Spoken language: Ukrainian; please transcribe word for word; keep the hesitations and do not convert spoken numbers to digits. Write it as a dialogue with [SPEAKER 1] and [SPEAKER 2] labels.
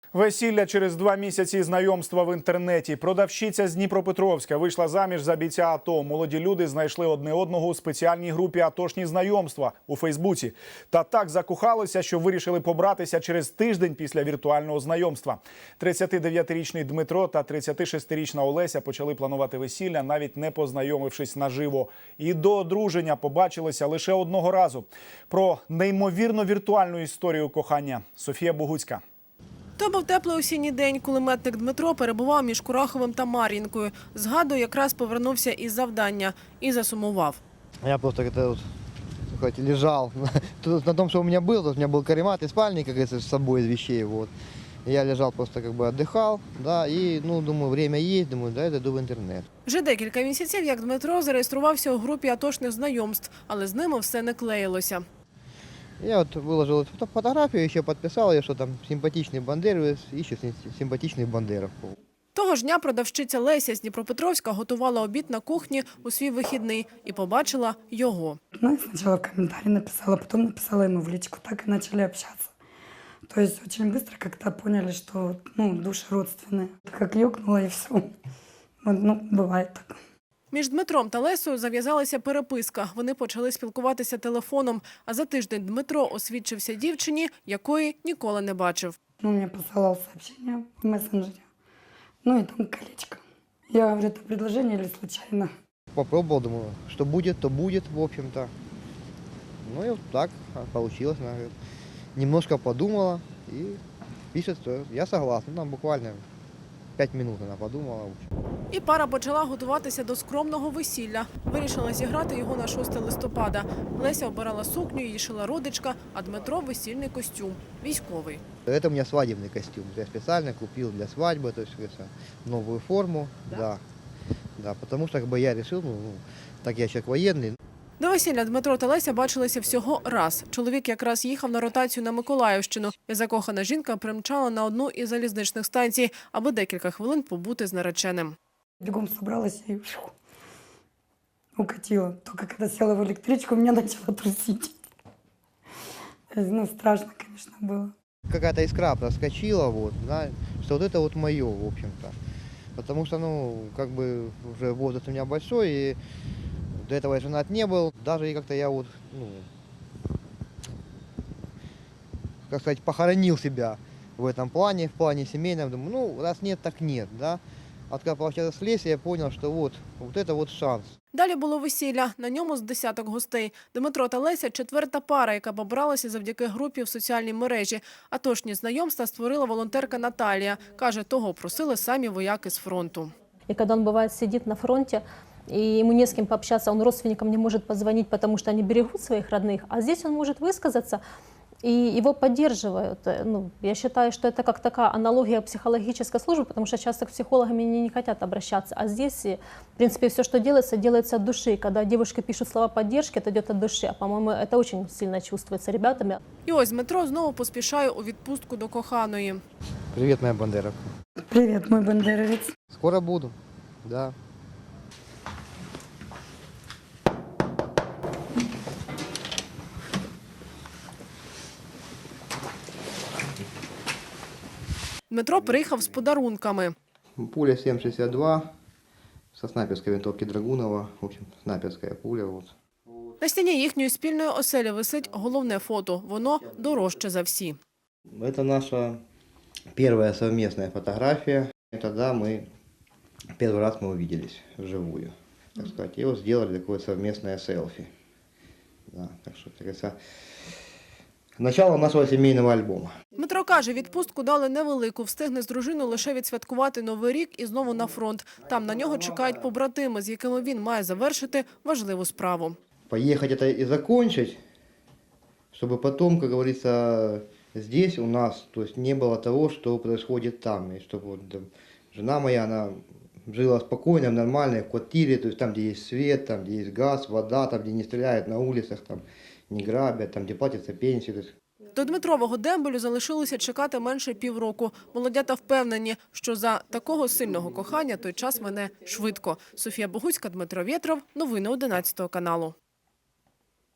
[SPEAKER 1] Весілля через два місяці знайомства в інтернеті. Продавщиця з Дніпропетровська вийшла заміж за бійця АТО. Молоді люди знайшли одне одного у спеціальній групі «Атошні знайомства» у Фейсбуці. Та так закохалися, що вирішили побратися через тиждень після віртуального знайомства. тридцятидев'ятирічний Дмитро та тридцятишестирічна Олеся почали планувати весілля, навіть не познайомившись наживо. І до одруження побачилися лише одного разу. Про неймовірно віртуальну історію кохання Софія Богуцька.
[SPEAKER 2] То був теплий осінній день, кулеметник Дмитро перебував між Кураховим та Мар'їнкою. Згадую, якраз повернувся із завдання і засумував.
[SPEAKER 3] Я просто как-то вот, лежал на том, что у меня был. У меня был каремат и спальник, как говорится, с собой из вещей. Вот. Я лежал, просто как бы отдыхал, да, и, ну, думаю, время есть, думаю, да, я дойду в интернет.
[SPEAKER 2] Вже декілька місяців, як Дмитро зареєструвався у групі «Атошних знайомств», але з ними все не клеїлося.
[SPEAKER 3] Я вот выложил эту фотографию, еще подписал ее, что там симпатичный бандеровец ищет симпатичных бандеров.
[SPEAKER 2] Того ж дня продавщиця Леся з Дніпропетровська готувала обід на кухні у свій вихідний і побачила його.
[SPEAKER 4] Ну, я сначала в комментарии написала, потом написала ему в личку, так и начали общаться. То есть очень быстро как-то поняли, что, ну, души родственные. Как ёкнуло и все. Вот, ну, бывает так.
[SPEAKER 2] Між Дмитром та Лесею зав'язалася переписка. Вони почали спілкуватися телефоном. А за тиждень Дмитро освідчився дівчині, якої ніколи не бачив.
[SPEAKER 4] Он мне посылал сообщение в мессенджере. Ну и там колечко. Я говорю, это предложение или случайно?
[SPEAKER 3] Попробовал, думаю, что будет, то будет, в общем-то. Ну и вот так получилось. Она говорит, немножко подумала и пишет, что я согласна. Там буквально пять минут она подумала.
[SPEAKER 2] І пара почала готуватися до скромного весілля. Вирішила зіграти його на шосте листопада. Леся обирала сукню, її шила родичка, а Дмитро – весільний костюм, військовий.
[SPEAKER 3] Это у меня свадебный костюм. Я специально купил для свадьбы, то есть новую форму. Да. Да, да, потому что как бы я решил, ну, так я человек военный.
[SPEAKER 2] До весілля Дмитро та Леся бачилися всього раз. Чоловік якраз їхав на ротацію на Миколаївщину. І закохана жінка примчала на одну із залізничних станцій, аби декілька хвилин побути з нареченим.
[SPEAKER 4] Бегом собралась и фу, укатила. Только когда села в электричку, меня начало трусить. Ну, страшно, конечно, было.
[SPEAKER 3] Какая-то искра проскочила, вот, да, что вот это вот мое, в общем-то. Потому что, ну, как бы уже возраст у меня большой, и до этого я женат не был. Даже и как-то я вот, ну, как сказать, похоронил себя в этом плане, в плане семейном. Думаю, ну, раз нет, так нет, да. А когда пообщался с Лесей, я понял, что вот, вот это вот шанс.
[SPEAKER 2] Далі було весілля, на ньому з десяток гостей. Дмитро та Леся – четверта пара, яка побралася завдяки групі в соціальній мережі. Атошні знайомства створила волонтерка Наталія. Каже, того просили самі вояки з фронту.
[SPEAKER 5] И когда он, бывает, сидит на фронте, и ему не с кем пообщаться, он родственникам не может позвонить, потому что они берегут своих родных, а здесь он может высказаться, и его поддерживают. Ну, я считаю, что это как такая аналогия психологической службы, потому что часто к психологам они не хотят обращаться. А здесь, в принципе, все, что делается, делается от души. Когда девушки пишут слова поддержки, это идет от души. А, по-моему, это очень сильно чувствуется ребятами.
[SPEAKER 2] І ось Дмитро знову поспішає у відпустку до коханої.
[SPEAKER 3] Привет, моя бандеровка.
[SPEAKER 4] Привет, мой бандеровец.
[SPEAKER 3] Скоро буду, да.
[SPEAKER 2] Дмитро приїхав з подарунками.
[SPEAKER 3] Пуля сім шістдесят два со снайперской винтовки Драгунова. В общем, снайперская пуля. Вот.
[SPEAKER 2] На стіні їхньої спільної оселі висить головне фото. Воно дорожче за всі.
[SPEAKER 3] Это наша первая совместная фотография. Тогда мы первый раз мы увиделись вживую, так сказать. И вот сделали такое совместное селфи. Да, так что, так говорится, начало нашего семейного альбома.
[SPEAKER 2] Дмитро каже, відпустку дали невелику, встигне з дружиною лише відсвяткувати Новий рік і знову на фронт. Там на нього чекають побратими, з якими він має завершити важливу справу.
[SPEAKER 3] Поехать это и закончить, чтобы потом, как говорится, здесь у нас, то есть не было того, что происходит там. И чтобы вот, да, жена моя, она жила спокойно, в нормальной квартире, то есть там, где есть свет, там, где есть газ, вода, там, где не стреляют на улицах, там, не грабят, там, где платятся пенсии. То есть...
[SPEAKER 2] До Дмитрового дембелю залишилося чекати менше півроку. Молодята впевнені, що за такого сильного кохання той час мине швидко. Софія Богуцька, Дмитро Вєтров. Новини одинадцятого каналу.